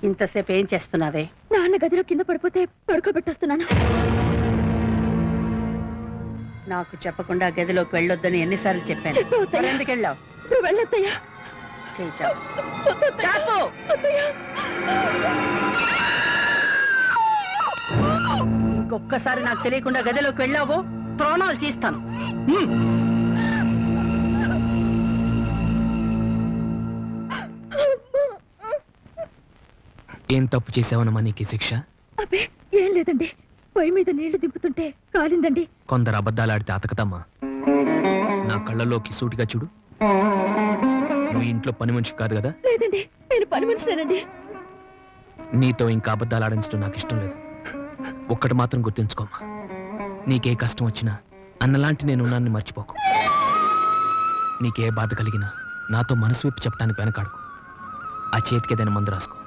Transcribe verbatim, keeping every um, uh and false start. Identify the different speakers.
Speaker 1: ఇంతసేపు ఏం చేస్తున్నావే?
Speaker 2: నాన్న గదిలో కింద పడిపోతే పడుకోబెట్టొస్తున్నాను.
Speaker 1: నాకు చెప్పకుండా గదిలోకి వెళ్ళొద్దని ఎన్నిసార్లు చెప్పాను?
Speaker 2: చెప్పవద్దయ్యా.
Speaker 1: ఎందుకు వెళ్ళావు?
Speaker 2: ఇప్పుడు వెళ్ళొద్దయ్యా.
Speaker 1: చేయి చాపు.
Speaker 2: వద్దత్తయ్య.
Speaker 1: చాపు.
Speaker 2: వద్దయ్యా.
Speaker 1: ఇంకొక్కసారి నాకు తెలియకుండా గదిలోకి వెళ్ళావో ప్రాణాలు తీస్తాను. హ్మ్.
Speaker 3: ఏం తప్పు చేసావనమ్మా నీకు శిక్ష?
Speaker 2: అబ్బే ఏం లేదండి, పొయ్యి మీద నీళ్లు దింపుతుంటే కాలిందండి.
Speaker 3: కొందరు అబద్ధాలు ఆడితే అతకదమ్మా. నా కళ్ళలోకి సూటిగా చూడు. నువ్వు ఇంట్లో పని మనిషి కాదు కదా?
Speaker 2: లేదండి, నేను పని మనిషినేనండి.
Speaker 3: నీతో ఇంకా అబద్ధాలు ఆడించడం నాకు ఇష్టం లేదు. ఒక్కటి మాత్రం గుర్తుంచుకోమ్మా, నీకే కష్టం వచ్చినా అన్నలాంటి నేను ఉన్నాన్ని మర్చిపోకు. నీకే బాధ కలిగినా నాతో మనసు విప్పి చెప్పడానికి వెనకాడుకు. ఆ చేతికి ఏదైనా మందు రాసుకో.